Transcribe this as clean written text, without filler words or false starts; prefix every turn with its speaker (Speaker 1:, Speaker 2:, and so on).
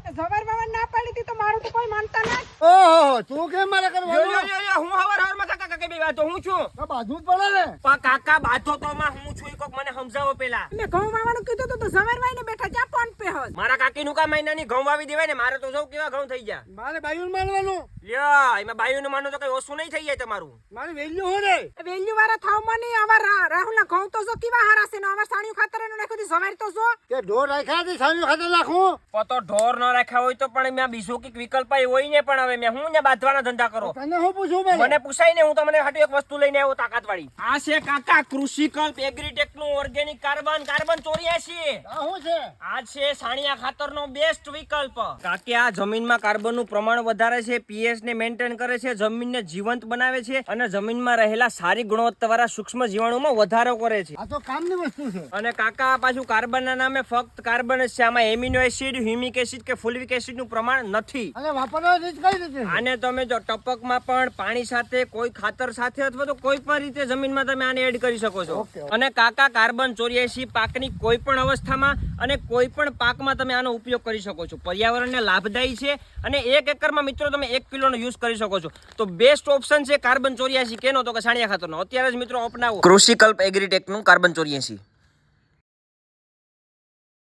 Speaker 1: જવાર બાવન ના પાડી હતી તો મારું તો કોઈ માનતા ના.
Speaker 2: ઓહો તું કેમ મારે કરવાનું?
Speaker 3: હું હવાર માં કાકા કઈ બી વાતો હું છું.
Speaker 2: આ બાજુ જ પડે ને.
Speaker 3: પણ કાકા બાતો તો માં હું છું કોક મને સમજાવો પેલા.
Speaker 1: મેં ઘઉં વાવવાનું કીધું તો જવાર વાઈને બેઠા જા ફોન પે હોત.
Speaker 3: મારા કાકી નું કા મહિનાની ઘઉં વાવી દેવાય ને મારે તો સૌ કેવા ઘઉં થઈ ગયા.
Speaker 2: મારે બાયું માનવાનું.
Speaker 3: લ્યો એમાં બાયું નું માનો તો કઈ ઓછું નહીં થઈ જાય તમારું.
Speaker 2: મારે વેલ્યુ હો રે.
Speaker 1: વેલ્યુ વાળા થાવ મને આવા રાહુલ ના ઘઉં તો જો કેવા હારા છે ને આવા સાણિયું ખાતર એનું નાખ્યું હતી જવાર તો જો.
Speaker 2: કે ઢોર રાખ્યા હતી સાંજુ ખાતે નાખું.
Speaker 3: તો ઢોર ન રાખ્યા હોય તો પણ મેં બીજો કઈક વિકલ્પ હોય ને પણ હવે મેં હું ને બાંધવાના ધંધા કરો.
Speaker 2: તને હું પૂછું
Speaker 3: મને પૂછાય ને હું તમને હાટુ એક વસ્તુ લઈને આવ્યો તાકાત વાળી. આ છે કાકા કૃષિકલ્પ એગ્રીટેક નું ઓર્ગેનિક કાર્બન 84.
Speaker 2: આ શું છે?
Speaker 3: આ છે સાણિયા ખાતરનો બેસ્ટ વિકલ્પ. કાકે આ જમીનમાં કાર્બનનું પ્રમાણ વધારે છે, પીએચ ને મેન્ટેન કરે છે, જમીનને જીવંત બનાવે છે અને જમીનમાં રહેલા સારી ગુણવત્તાવાળા સૂક્ષ્મ જીવાણુમાં વધારો કરે છે.
Speaker 2: આ તો કામની વસ્તુ છે.
Speaker 3: અને કાકા પાછું કાર્બનના નામે ફક્ત કાર્બન જ છે, આમાં એમિનો એસિડ, હ્યુમિક એસિડ કે ફોલિક એસિડ નું પ્રમાણ નથી.
Speaker 2: અને વાપરવાની રીત કઈ રીતે?
Speaker 3: આને તમે જો ટપકમાં પણ પાણી સાથે કોઈ ખાતર સાથે અથવા તો કોઈ પણ રીતે જમીનમાં તમે આને એડ કરી શકો છો. અને કાકા કાર્બન 84 પાકની કોઈ પણ અવસ્થામાં અને કોઈ પણ પાકમાં તમે આનો ઉપયોગ કરી શકો છો. પર્યાવરણને લાભદાયી છે અને 1 એકરમાં મિત્રો તમે 1 કિલોનો યુઝ કરી શકો છો. તો બેસ્ટ ઓપ્શન છે કાર્બન 84 કેનો તો કે સાણિયા ખાતરનો. અત્યારે જ મિત્રો અપનાવો કૃષિકલ્પ એગ્રીટેક નું કાર્બન 84.